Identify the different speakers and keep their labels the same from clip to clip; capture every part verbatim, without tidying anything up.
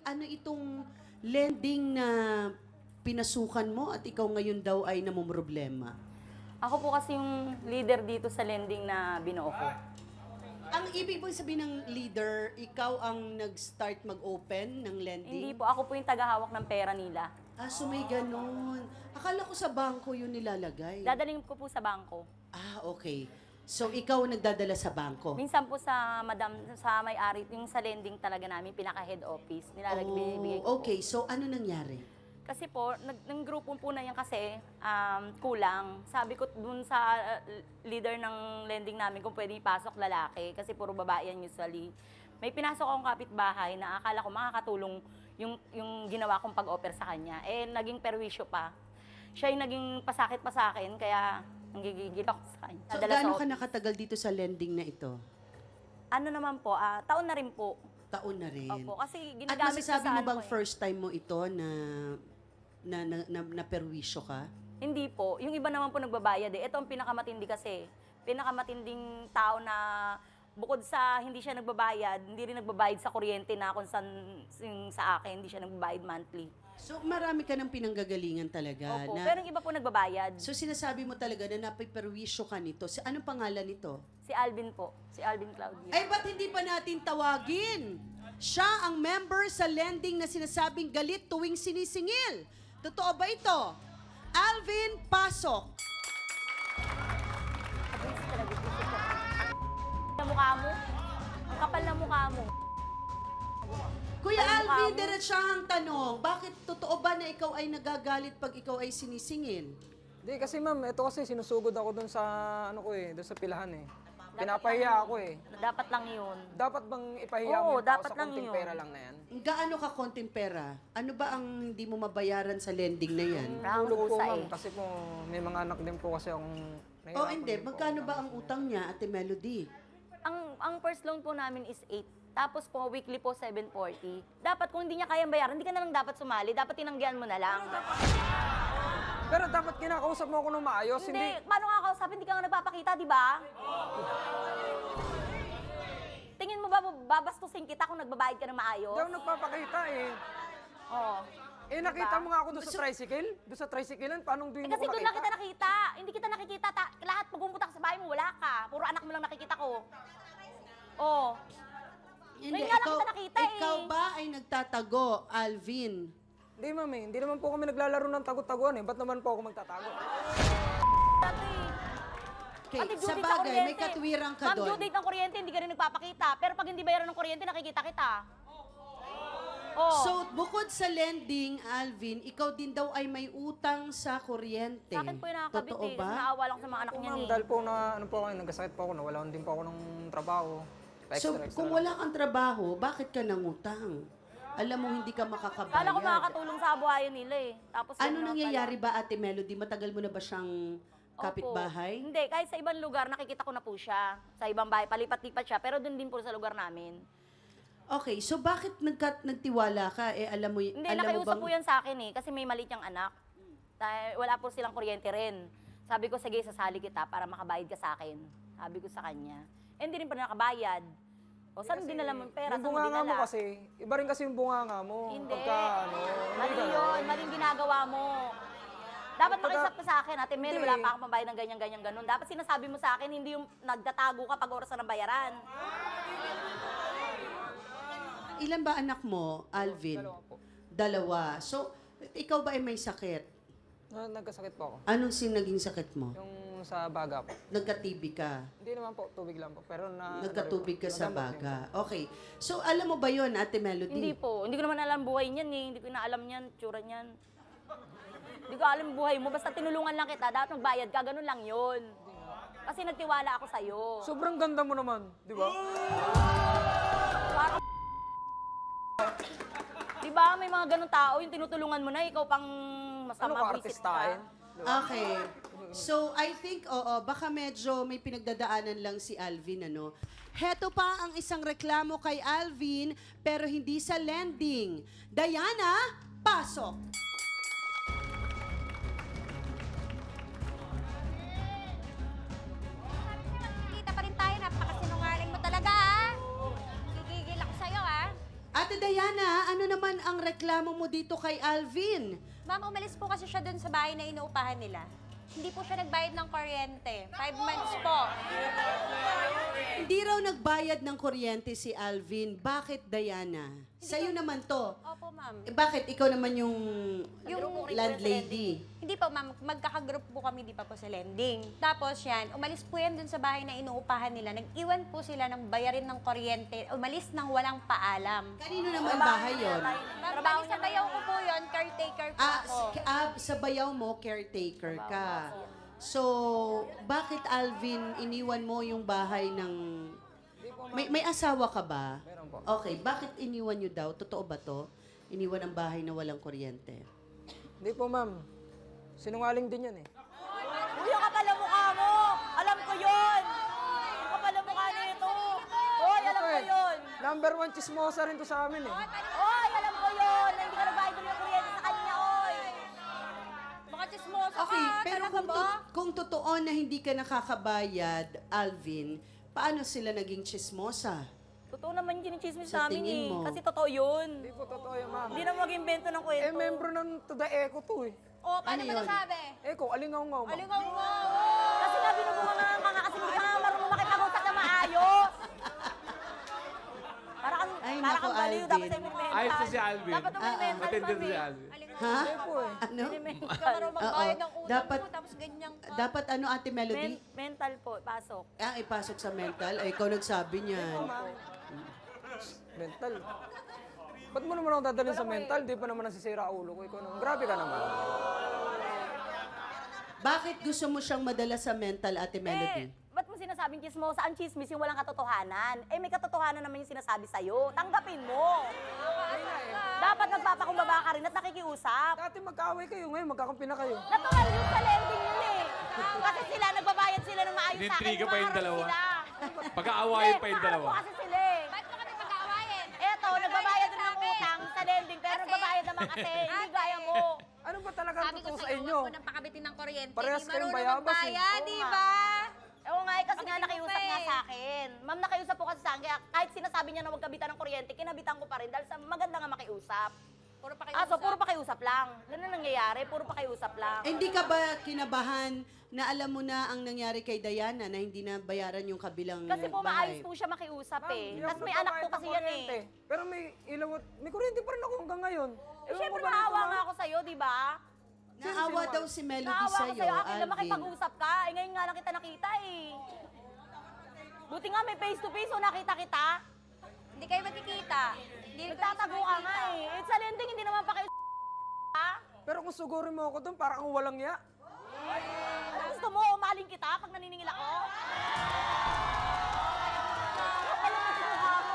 Speaker 1: ano itong lending na pinasukan mo at ikaw ngayon daw ay namumroblema?
Speaker 2: Ako po kasi yung leader dito sa lending na binuo ko.
Speaker 1: Ang ibig mong sabihin ng leader, ikaw ang nag-start mag-open ng lending?
Speaker 2: Hindi po, ako po yung tagahawak ng pera nila.
Speaker 1: Ah, so may ganun. Akala ko sa bangko yun nilalagay.
Speaker 2: Dadaling ko po sa bangko.
Speaker 1: Ah, okay. So ikaw ang nagdadala sa bangko?
Speaker 2: Minsan po sa madam, sa may-ari, yung sa lending talaga namin, pinaka-head office, nilalagay, binibigay ko
Speaker 1: Oh,
Speaker 2: po.
Speaker 1: okay. So ano nangyari?
Speaker 2: Kasi po, nag, ng grupo po na yan kasi, um, kulang. Sabi ko dun sa uh, leader ng lending namin kung pwede ipasok lalaki, kasi puro babae yan usually. May pinasok akong kapitbahay na akala ko makakatulong yung, yung ginawa kong pag-offer sa kanya. Eh, naging perwisyo pa. Siya yung naging pasakit pa sa akin, kaya nanggigigil ako sa kanya.
Speaker 1: So
Speaker 2: Nadala sa
Speaker 1: gaano ka
Speaker 2: office.
Speaker 1: nakatagal dito sa lending na ito?
Speaker 2: Ano naman po, ah, taon na rin po.
Speaker 1: Taon na rin.
Speaker 2: Opo, kasi
Speaker 1: At
Speaker 2: ginagamit ko
Speaker 1: masasabi
Speaker 2: sa
Speaker 1: mo
Speaker 2: ano
Speaker 1: bang
Speaker 2: ko eh.
Speaker 1: first time mo ito na na na, na, na perwisyo ka?
Speaker 2: Hindi po. Yung iba naman po nagbabayad eh. Ito ang pinakamatindi kasi. Pinakamatinding tao na bukod sa hindi siya nagbabayad, hindi rin nagbabayad sa kuryente na kung saan yung sa akin, hindi siya nagbabayad monthly.
Speaker 1: So marami ka ng pinanggagalingan talaga.
Speaker 2: Opo.
Speaker 1: Na,
Speaker 2: Pero yung iba po nagbabayad.
Speaker 1: so sinasabi mo talaga na napiperwisyo ka nito. Si, anong pangalan nito?
Speaker 2: Si Alvin po. Si Alvin Claudia.
Speaker 1: Ay, ba't hindi pa natin tawagin? Siya ang member sa lending na sinasabing galit tuwing sinisingil. Totoo ba ito? Alvin Pasok.
Speaker 2: Abis talaga. Ang mukha mo. Ang kapal na mukha mo.
Speaker 1: Kuya
Speaker 2: Ay, mukha
Speaker 1: Alvin,
Speaker 2: mo.
Speaker 1: diretsahang tanong, bakit totoo ba na ikaw ay nagagalit pag ikaw ay sinisingil?
Speaker 3: Hindi kasi ma'am, ito kasi sinusugod ako dun sa ano ko eh, dun sa pilahan eh. Pinapahiya ako eh.
Speaker 2: Dapat lang yun.
Speaker 3: Dapat bang ipahiya
Speaker 2: Oo,
Speaker 3: mo yung tao
Speaker 2: dapat
Speaker 3: sa
Speaker 2: lang
Speaker 3: konting
Speaker 2: yun.
Speaker 3: pera lang na yan?
Speaker 1: Gaano ka konting pera? Ano ba ang hindi mo mabayaran sa lending na yan?
Speaker 2: Parang
Speaker 3: Tulog po
Speaker 2: kusa
Speaker 3: ma'am,
Speaker 2: eh.
Speaker 3: kasi po may mga anak din po kasi akong
Speaker 1: O
Speaker 3: nahihirapan
Speaker 1: hindi,
Speaker 3: din po.
Speaker 1: magkano ba ang utang niya, Ate Melody?
Speaker 2: Ang ang first loan po namin is eight. Tapos po, weekly po, seven forty. Dapat kung hindi niya kayang bayaran, hindi ka na lang dapat sumali. Dapat tinanggihan mo na lang.
Speaker 3: Pero dapat kinakausap mo ako ng maayos,
Speaker 2: Hindi,
Speaker 3: hindi...
Speaker 2: paano nga kausapin? Hindi ka nga nagpapakita, di ba? Tingin mo ba babastusin kita kung nagbabayad ka ng maayos?
Speaker 3: Hindi ako nagpapakita eh.
Speaker 2: Oo.
Speaker 3: Eh nakita mo nga ako doon sa tricycle? Doon sa tricyclean, paano
Speaker 2: Eh
Speaker 3: doon mo
Speaker 2: kasi
Speaker 3: ko
Speaker 2: doon lang kita
Speaker 3: nakita?
Speaker 2: nakita. Hindi kita nakikita. Ta- lahat pag pumunta ka sa bahay mo, wala ka. Puro anak mo lang nakikita ko. Oo. Ngayon nga lang kita nakita eh.
Speaker 1: ikaw ba ay nagtatago, Alvin?
Speaker 3: Hindi ma'am eh, hindi naman po kami naglalaro ng tago-taguan eh. Ba't naman po ako magtatago?
Speaker 2: Dati.
Speaker 1: Okay,
Speaker 2: Ate, due
Speaker 1: sa
Speaker 2: date
Speaker 1: bagay,
Speaker 2: kuryente.
Speaker 1: may katwirang ka
Speaker 2: Ma'am, due
Speaker 1: doon.
Speaker 2: date ng kuryente, hindi ka rin nagpapakita. Pero pag hindi bayaran ng kuryente, nakikita kita. Oo.
Speaker 1: So, bukod sa lending, Alvin, ikaw din daw ay may utang sa kuryente.
Speaker 2: Sa akin po yung nakakabit
Speaker 1: Totoo
Speaker 2: eh.
Speaker 1: ba?
Speaker 2: Kasi naawa lang sa mga anak
Speaker 3: Po
Speaker 2: niya
Speaker 3: ma'am,
Speaker 2: eh.
Speaker 3: dahil po na, ano po ako, nagkasakit po ako, nawalan din po ako ng trabaho.
Speaker 1: So,
Speaker 3: Extra, extra
Speaker 1: kung
Speaker 3: lang.
Speaker 1: wala kang trabaho, bakit ka nangutang? Alam mo, hindi ka makakabayad.
Speaker 2: Kala ko makakatulong sa buhayan nila eh. Tapos
Speaker 1: Ano
Speaker 2: yun na
Speaker 1: nangyayari
Speaker 2: pala.
Speaker 1: ba, Ate Melody? Matagal mo na ba siyang
Speaker 2: Opo.
Speaker 1: kapitbahay?
Speaker 2: Hindi, kahit sa ibang lugar, nakikita ko na po siya. Sa ibang bahay, palipat-lipat siya. Pero doon din po sa lugar namin.
Speaker 1: Okay, so bakit nagka, nagtiwala ka? Eh, alam mo, y-
Speaker 2: Hindi,
Speaker 1: alam mo
Speaker 2: nakiusap
Speaker 1: bang...
Speaker 2: po yan sa akin eh. Kasi may maliit niyang anak. Dahil wala po silang kuryente rin. Sabi ko, sige, sasali kita para makabayad ka sa akin. Sabi ko sa kanya. Eh, hindi rin pa nakabayad. O, saan din alam ang pera?
Speaker 3: Yung
Speaker 2: Saan mo
Speaker 3: bunganga mo
Speaker 2: dinala?
Speaker 3: kasi, iba rin kasi yung bunganga mo.
Speaker 2: Hindi.
Speaker 3: Pagka, ano, hindi
Speaker 2: Mali
Speaker 3: ganun.
Speaker 2: yun. Maling ginagawa mo. Dapat
Speaker 3: Pagka-
Speaker 2: makiusap ka sa akin, Ate Mel,
Speaker 3: Hindi.
Speaker 2: wala pa akong mabayad ng ganyan-ganyan ganun. Dapat sinasabi mo sa akin, hindi yung nagtatago ka pag oras na ng bayaran.
Speaker 1: Ilan ba anak mo, Alvin?
Speaker 3: Dalawa po.
Speaker 1: Dalawa. So, ikaw ba ay may sakit?
Speaker 3: Na, nagkasakit po ako.
Speaker 1: Anong sin naging sakit mo?
Speaker 3: Yung sa baga po.
Speaker 1: Nagka-T B ka?
Speaker 3: Hindi naman po, tubig lang po. Pero na...
Speaker 1: Nagkatubig ka sa
Speaker 3: nadamot din
Speaker 1: baga. Okay. So, alam mo ba yon, Ate Melody?
Speaker 2: Hindi po. Hindi ko naman alam buhay niyan eh. Hindi ko na alam niyan, tsura niyan. Hindi ko alam buhay mo. Basta tinulungan lang kita. Dapat magbayad ka. Ganun lang yun. Kasi nagtiwala ako sa'yo.
Speaker 3: po. Sobrang ganda mo naman, di ba?
Speaker 2: Parang... Di ba? May mga ganun tao. Yung tinutulungan mo na, ikaw pang
Speaker 3: Ano
Speaker 2: masama
Speaker 3: ka,
Speaker 2: visit
Speaker 3: artistahin?
Speaker 2: ka.
Speaker 1: Okay. So, I think, oo, baka medyo may pinagdadaanan lang si Alvin, ano? Heto pa ang isang reklamo kay Alvin, pero hindi sa lending. Diana, pasok!
Speaker 4: Kita pa rin tayo, napakasinungaling mo talaga, ha? Gigigil ako sa'yo, ha?
Speaker 1: At Ate Diana, ano naman ang reklamo mo dito kay Alvin?
Speaker 4: Ma'am, umalis po kasi siya dun sa bahay na inuupahan nila. Hindi po siya nagbayad ng kuryente. Five months po.
Speaker 1: Hindi raw nagbayad ng kuryente si Alvin. Bakit, Diana? Sa'yo naman to.
Speaker 4: Opo, ma'am.
Speaker 1: Eh, bakit? Ikaw naman yung,
Speaker 4: Yung
Speaker 1: landlady.
Speaker 4: Hindi po, ma'am. Magkakagroup po kami, di pa po sa lending. Tapos yan, umalis po yan dun sa bahay na inuupahan nila. Nag-iwan po sila ng bayarin ng kuryente. Umalis nang walang paalam.
Speaker 1: Kanino naman bahay yon?
Speaker 4: Ma'am,
Speaker 2: Trabaho
Speaker 4: bali sa
Speaker 2: niya
Speaker 4: bayaw ko po yun, caretaker po
Speaker 1: Ah,
Speaker 4: ako.
Speaker 1: s- ah, sa bayaw mo, caretaker ka. So, bakit Alvin, iniwan mo yung bahay ng... May, may asawa ka ba?
Speaker 3: Meron po.
Speaker 1: Okay, bakit iniwan nyo daw? Totoo ba to? Iniwan ang bahay na walang kuryente.
Speaker 3: Hindi po, ma'am. Sinungaling din yan eh.
Speaker 2: Uy, ang kapal ang mukha mo! Alam ko yun! Ang kapal ang mukha nito! Hoy, alam ko
Speaker 3: Eh,
Speaker 2: yun!
Speaker 3: Number one chismosa rin to sa amin eh.
Speaker 2: Hoy, alam ko yun! Na hindi ka nagbayad ng kuryente sa kanya, oy!
Speaker 4: Baka chismosa
Speaker 1: Okay,
Speaker 4: ka,
Speaker 1: pero
Speaker 4: talaga
Speaker 1: kung,
Speaker 4: ba?
Speaker 1: to- kung totoo na hindi ka nakakabayad, Alvin, paano sila naging chismosa?
Speaker 2: Totoo naman yung chinichismis
Speaker 1: Sa
Speaker 2: namin
Speaker 1: tingin
Speaker 2: eh.
Speaker 1: mo?
Speaker 2: Kasi totoo yun.
Speaker 3: Hindi po totoo yan, ma'am.
Speaker 2: Hindi na mag-invento ng kwento.
Speaker 3: Eh, membro ng To The Echo to eh.
Speaker 4: O, paano
Speaker 1: Ano
Speaker 4: mo
Speaker 1: yun?
Speaker 4: nasabi?
Speaker 3: Echo, alingaw-ngaw, ma'am.
Speaker 4: Alingaw mo!
Speaker 2: Kasi nga binubunga nga nga kasi hindi ka nga marunong makipag-usap na maayos. Para kang,
Speaker 1: Ay,
Speaker 2: para
Speaker 1: naku,
Speaker 2: kang baliw,
Speaker 1: Alvin.
Speaker 2: dapat sa'yo mental.
Speaker 5: Ayos na si Alvin.
Speaker 2: Dapat may
Speaker 1: Ah, ah.
Speaker 2: mental,
Speaker 5: Matindi
Speaker 2: mami.
Speaker 5: si Alvin.
Speaker 1: Ha?
Speaker 3: Hindi po eh.
Speaker 1: Ano?
Speaker 4: Ikaw marunong magbayad ng utang
Speaker 1: Dapat-
Speaker 4: mo, tapos ganyan ka.
Speaker 1: Dapat ano, Ate Melody?
Speaker 2: Men- mental po, pasok.
Speaker 1: Ah, ipasok sa mental? Ay, ikaw nagsabi niyan.
Speaker 3: Mental. Ba't mo naman ako dadalhin sa mental? Di pa naman nasisira ulo ko. Ikaw naman. Grabe ka naman.
Speaker 1: Bakit gusto mo siyang madala sa mental, Ate Melody?
Speaker 2: Eh, ba't mo sinasabing chismosa? Ang chismis yung walang katotohanan. Eh, may katotohanan naman yung sinasabi sa'yo. Tanggapin mo. Dapat nagpapakumbaba ka rin at nakikiusap.
Speaker 3: Dati magkaaway kayo. Ngayon magkakampi na kayo.
Speaker 2: Natural yung sa lending yun eh. Kasi sila, nagbabayad sila ng maayos sa akin.
Speaker 5: Inintriga pa yung
Speaker 2: umaarap
Speaker 5: dalawa.
Speaker 2: sila.
Speaker 5: Pagkaawayan
Speaker 2: Hindi,
Speaker 5: pa yung
Speaker 2: umaarap
Speaker 5: dalawa.
Speaker 2: po kasi sila eh.
Speaker 4: Ba't mo kami pag-aawayin?
Speaker 2: Eto, nagbabayad din ng utang sa lending, pero
Speaker 4: Kasi-
Speaker 2: nagbabayad naman kasi, hindi
Speaker 4: Ate.
Speaker 2: gaya mo.
Speaker 3: Ano ba talaga ang
Speaker 4: Sabi ko
Speaker 3: totoo sa
Speaker 4: sa'yo,
Speaker 3: inyo?
Speaker 4: huwag mo nang pakabitin ng kuryente.
Speaker 3: Parehas
Speaker 4: Di
Speaker 3: kayong
Speaker 4: marunong
Speaker 3: bayabas eh.
Speaker 4: magbayad,
Speaker 2: Oo
Speaker 4: di
Speaker 2: nga.
Speaker 4: ba?
Speaker 2: Oo nga, eh, kasi nga
Speaker 4: Pakabitin mo
Speaker 2: nakiusap
Speaker 4: pa
Speaker 2: nga
Speaker 4: eh.
Speaker 2: sa akin. Ma'am, nakiusap po kasi sa akin, kaya kahit sinasabi niya na huwag kabitan ng kuryente, kinabitan ko pa rin dahil sa maganda nga makiusap.
Speaker 4: Puro pa kayo
Speaker 2: Ah, so puro pakiusap lang. Ganun ang nangyayari, puro pakiusap lang.
Speaker 1: Eh, hindi ka ba kinabahan na alam mo na ang nangyari kay Diana na hindi na bayaran yung kabilang
Speaker 2: Kasi po
Speaker 1: bahay?
Speaker 2: maayos po siya makiusap
Speaker 3: Ma'am,
Speaker 2: eh.
Speaker 3: hindi
Speaker 2: Tapos
Speaker 3: ako
Speaker 2: may anak po
Speaker 3: nagbabayad
Speaker 2: kasi
Speaker 3: ng
Speaker 2: yan eh.
Speaker 3: kuryente. Pero may ilaw at may kuryente pa rin ako hanggang ngayon.
Speaker 2: Eh,
Speaker 3: Ewan
Speaker 2: syempre
Speaker 3: ko ba
Speaker 2: naawa
Speaker 3: dito,
Speaker 2: nga
Speaker 3: ma'am?
Speaker 2: ako sa'yo, di ba?
Speaker 1: Naawa daw si Melody
Speaker 2: Naawa ko
Speaker 1: sa'yo,
Speaker 2: sa'yo, akin lang
Speaker 1: Alvin.
Speaker 2: makipag-usap ka. Eh, ngayon nga lang kita nakita eh. Buti nga may face to face, o nakita kita.
Speaker 4: Hindi kayo magkikita. Hindi kayo
Speaker 2: Nagtatago ka nga eh. It's a lending, hindi naman pa kayo ha?
Speaker 3: Pero kung sugurin mo ako doon, parang ang walang ya.
Speaker 2: Ano gusto mo, umaling kita pag naniningil ako? Ano ang mukha mo?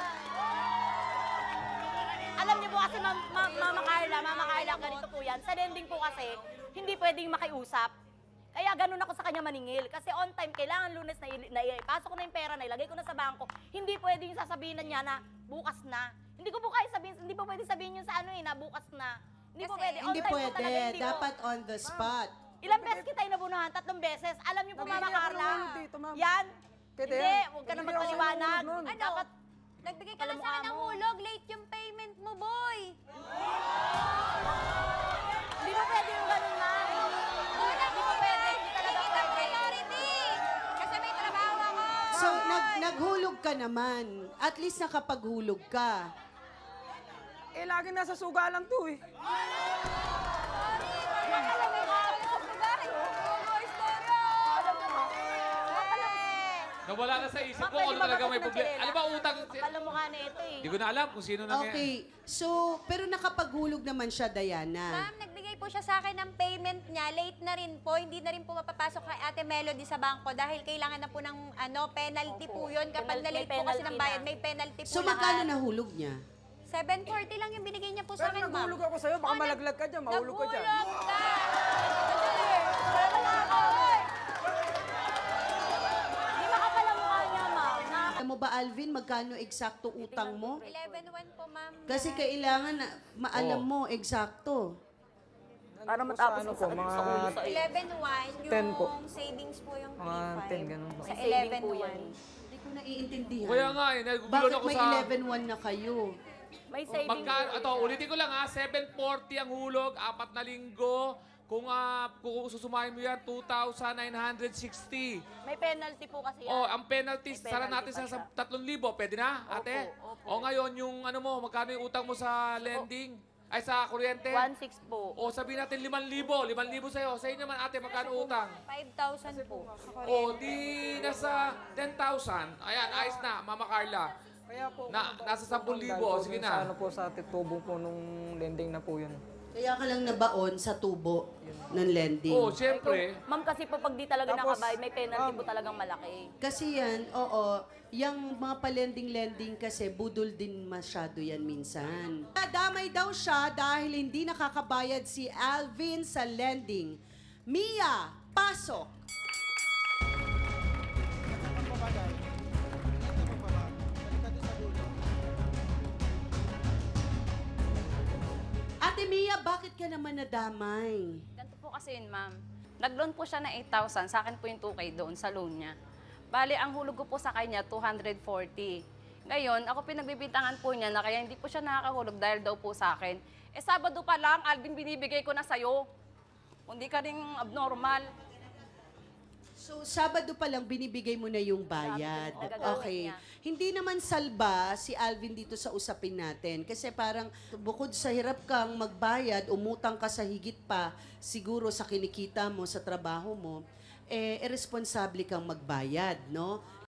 Speaker 2: Alam niyo po kasi, Ma'am Ma Mama Carla, Mama Carla, ganito po yan. Sa lending po kasi, hindi pwedeng makiusap. Kaya ganun ako sa kanya maningil. Kasi on time, kailangan lunes na, ili- na ipasok ko na yung pera na ilagay ko na sa bangko. Hindi pwedeng sasabihin na niya na bukas na. Hindi ko po kaya sabihin, hindi po pwedeng sabihin yun sa ano eh, na bukas na. Hindi po
Speaker 4: Kasi-
Speaker 2: pwede. On
Speaker 1: Hindi
Speaker 2: time po
Speaker 1: pwede.
Speaker 2: talaga, hindi ko-
Speaker 1: Dapat on the spot.
Speaker 2: Ilang beses kita inabunuhan? Tatlong beses. Alam niyo po,
Speaker 3: Nabigyan
Speaker 2: Mama
Speaker 3: ako ng
Speaker 2: Carla.
Speaker 3: hulog dito, ma'am.
Speaker 2: Yan.
Speaker 3: Pwede
Speaker 2: Hindi,
Speaker 3: yan.
Speaker 2: huwag ka na
Speaker 3: Nabigyan ako ng
Speaker 2: magpaliwanag.
Speaker 3: hulog nun.
Speaker 4: Ano?
Speaker 2: Dapat,
Speaker 4: Nagbigay ka
Speaker 2: Alam
Speaker 4: lang
Speaker 2: mo
Speaker 4: sa akin
Speaker 2: ka
Speaker 4: ng
Speaker 2: mo.
Speaker 4: hulog. Late yung payment mo, boy.
Speaker 2: hindi mo pwede yung ganun na.
Speaker 4: Una
Speaker 2: Hindi mo pwede. Hindi talaga
Speaker 4: Hindi ka
Speaker 2: pwede.
Speaker 4: priority. Kasi may trabaho ako.
Speaker 1: So, nag naghulog ka naman. At least nakapaghulog ka.
Speaker 3: Eh, lagi nasa suga lang to eh.
Speaker 4: Alam mo ka, ako sa lugar. Oo, istorya.
Speaker 5: Nawala na sa isip
Speaker 2: Ma'am,
Speaker 5: ko
Speaker 2: pwede
Speaker 5: kung
Speaker 2: ba
Speaker 5: talaga may
Speaker 2: bakit
Speaker 5: problema.
Speaker 2: nagkalala?
Speaker 5: Ano ba utang?
Speaker 2: Kapal ang mukha na ito eh.
Speaker 5: Hindi ko na alam kung sino na
Speaker 1: Okay. So, pero nakapaghulog naman siya, Diana.
Speaker 4: Ma'am, nagbigay po siya sa akin ng payment niya. Late na rin po. Hindi na rin po mapapasok kay Ate Melody sa bangko dahil kailangan na po ng ano, penalty po yun. Kapag
Speaker 2: Penalty-
Speaker 4: na-late
Speaker 2: may
Speaker 4: po kasi
Speaker 2: penalty
Speaker 4: ng bayad,
Speaker 2: na.
Speaker 4: may penalty po
Speaker 1: So, magkano
Speaker 4: lahat.
Speaker 1: nahulog niya?
Speaker 4: seven forty lang yung binigay niya po sa
Speaker 3: Pero
Speaker 4: akin, ma'am.
Speaker 3: naghulog ako sa'yo. Baka
Speaker 4: Oh, nag-
Speaker 3: malaglag ka dyan. Mahulog ka dyan.
Speaker 4: Naghulog ka! Wala na ako, oy.
Speaker 2: Hindi makapal ang mukha niya, ma'am. Na,
Speaker 1: Alam mo ba, Alvin, magkano eksakto utang mo?
Speaker 4: eleven one po, ma'am.
Speaker 1: Kasi kailangan na maalam
Speaker 5: Oo.
Speaker 1: mo eksakto.
Speaker 2: para
Speaker 3: Nandun po
Speaker 2: matapos
Speaker 3: sa ano
Speaker 2: ang
Speaker 3: po,
Speaker 2: sakit
Speaker 3: mga
Speaker 2: sa ulo sa iyo.
Speaker 4: eleven one, yung
Speaker 3: ten po.
Speaker 4: savings po yung
Speaker 3: Mga ten, ganun po.
Speaker 4: Sa
Speaker 2: May saving
Speaker 4: eleven
Speaker 2: po
Speaker 4: one.
Speaker 2: yan.
Speaker 1: Hindi ko naiintindihan.
Speaker 5: Kaya nga eh, nagugulo
Speaker 1: Bakit
Speaker 5: ako
Speaker 1: may
Speaker 5: sa...
Speaker 1: eleven one na kayo?
Speaker 2: May saving
Speaker 5: Magka,
Speaker 2: po
Speaker 5: ito,
Speaker 2: siya.
Speaker 5: ulitin ko lang ha, seven forty ang hulog, apat na linggo. Kung, uh, kung susumahin mo yan, two thousand nine hundred sixty.
Speaker 2: May penalty po kasi yan.
Speaker 5: Oh, ang penalty,
Speaker 2: May
Speaker 5: sara
Speaker 2: penalty
Speaker 5: natin
Speaker 2: pa
Speaker 5: sa
Speaker 2: siya.
Speaker 5: tatlong libo. Pwede na, ate?
Speaker 2: Opo, opo.
Speaker 5: O ngayon, yung ano mo, magkano yung utang mo sa lending? Ay, sa kuryente?
Speaker 2: one six po.
Speaker 5: O sabihin natin limang libo. limang libo sa'yo. Sa inyo naman, ate, magkano utang?
Speaker 4: five thousand po.
Speaker 5: O, di nasa ten thousand. Ayan, ayos na, Mama Carla.
Speaker 3: Kaya po,
Speaker 5: Na-
Speaker 3: ako
Speaker 5: nasa
Speaker 3: nabaon
Speaker 5: ten thousand,
Speaker 3: dahil po
Speaker 5: sige
Speaker 3: dun
Speaker 5: na.
Speaker 3: Sa ano po, sa titubong po nung lending na po yun.
Speaker 1: Kaya ka lang nabaon sa tubo ng lending.
Speaker 5: O, siyempre.
Speaker 2: Ma'am, kasi po pag di talaga
Speaker 3: Tapos,
Speaker 2: nakabayad, may penalty
Speaker 3: ma'am,
Speaker 2: po talagang malaki.
Speaker 1: Kasi yan, oo, yung mga palending-lending kasi budol din masyado yan minsan. Nadamay daw siya dahil hindi nakakabayad si Alvin sa lending. Mia, pasok! Ate Mia, bakit ka naman nadamay?
Speaker 6: Ganito po kasi yun, ma'am. Nag-loan po siya ng eight thousand. Sa akin po yung two K doon sa loan niya. Bali, ang hulog ko po sa kanya, two hundred forty. Ngayon, ako pinagbibintangan po niya na kaya hindi po siya nakakahulog dahil daw po sa akin. Eh, Sabado pa lang, Alvin, binibigay ko na sa'yo. Hindi ka rin abnormal.
Speaker 1: So, Sabado pa lang binibigay mo na yung bayad.
Speaker 2: Sabado, oo.
Speaker 1: Okay.
Speaker 2: Gagawin niya.
Speaker 1: Hindi naman salba si Alvin dito sa usapin natin. Kasi parang bukod sa hirap kang magbayad, umutang ka sa higit pa, siguro sa kinikita mo, sa trabaho mo, eh, irresponsable kang magbayad, no?